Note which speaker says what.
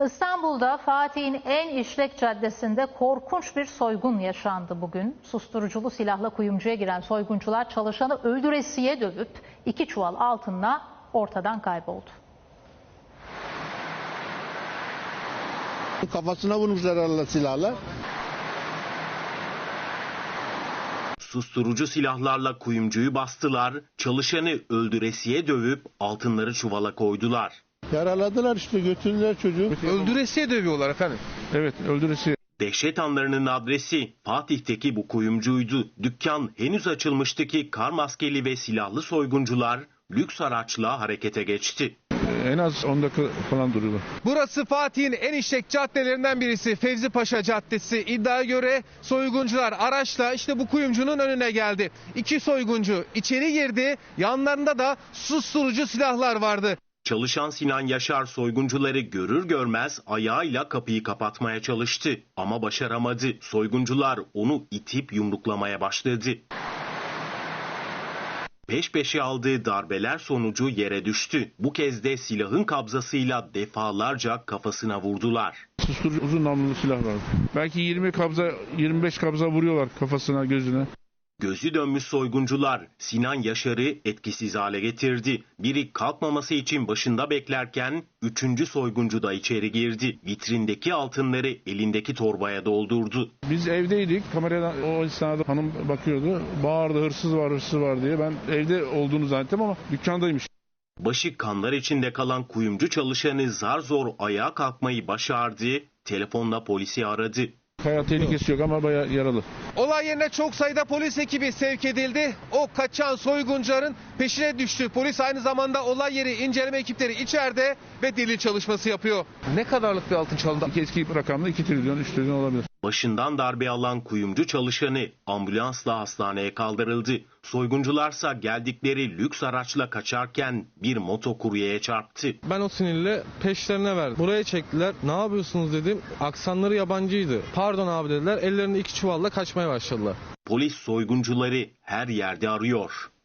Speaker 1: İstanbul'da Fatih'in en işlek caddesinde korkunç bir soygun yaşandı bugün. Susturuculu silahla kuyumcuya giren soyguncular çalışanı öldüresiye dövüp 2 çuval altınla ortadan kayboldu.
Speaker 2: Kafasına vurmuşlar herhalde silahla.
Speaker 3: Susturucu silahlarla kuyumcuyu bastılar, çalışanı öldüresiye dövüp altınları çuvala koydular.
Speaker 2: Yaraladılar işte, götürdüler çocuğu.
Speaker 4: Öldüresiye dövüyorlar efendim.
Speaker 2: Evet, öldüresiye.
Speaker 3: Dehşet anlarının adresi Fatih'teki bu kuyumcuydu. Dükkan henüz açılmıştı ki kar maskeli ve silahlı soyguncular lüks araçla harekete geçti.
Speaker 2: En az 10 dakika falan duruyorlar.
Speaker 4: Burası Fatih'in en işlek caddelerinden birisi, Fevzi Paşa Caddesi. İddiaya göre soyguncular araçla işte bu kuyumcunun önüne geldi. 2 soyguncu içeri girdi, yanlarında da susturucu silahlar vardı.
Speaker 3: Çalışan Sinan Yaşar soyguncuları görür görmez ayağıyla kapıyı kapatmaya çalıştı ama başaramadı. Soyguncular onu itip yumruklamaya başladı. Peş peşe aldığı darbeler sonucu yere düştü. Bu kez de silahın kabzasıyla defalarca kafasına vurdular.
Speaker 2: Susturucu uzun namlulu silah vardı. Belki 20 kabza, 25 kabza vuruyorlar kafasına, gözüne.
Speaker 3: Gözü dönmüş soyguncular Sinan Yaşar'ı etkisiz hale getirdi. Biri kalkmaması için başında beklerken 3. soyguncu da içeri girdi. Vitrindeki altınları elindeki torbaya doldurdu.
Speaker 2: Biz evdeydik. Kameradan o esnada hanım bakıyordu. Bağırdı, hırsız var, hırsız var diye. Ben evde olduğunu zannettim ama dükkandaymış.
Speaker 3: Başı kanlar içinde kalan kuyumcu çalışanı zar zor ayağa kalkmayı başardı. Telefonla polisi aradı.
Speaker 2: Hayat tehlikesi yok ama bayağı yaralı.
Speaker 4: Olay yerine çok sayıda polis ekibi sevk edildi. O kaçan soyguncuların peşine düştü. Polis aynı zamanda olay yeri inceleme ekipleri içeride ve delil çalışması yapıyor. Ne kadarlık bir altın çalındı?
Speaker 2: Eski rakamda 2 trilyon, 3 trilyon olabilir.
Speaker 3: Başından darbe alan kuyumcu çalışanı ambulansla hastaneye kaldırıldı. Soyguncularsa geldikleri lüks araçla kaçarken bir motokuryeye çarptı.
Speaker 5: Ben o sinirle peşlerine verdim. Buraya çektiler. Ne yapıyorsunuz dedim. Aksanları yabancıydı. Pardon abi dediler. Ellerinde 2 çuvalla kaçmaya başladılar.
Speaker 3: Polis soyguncuları her yerde arıyor.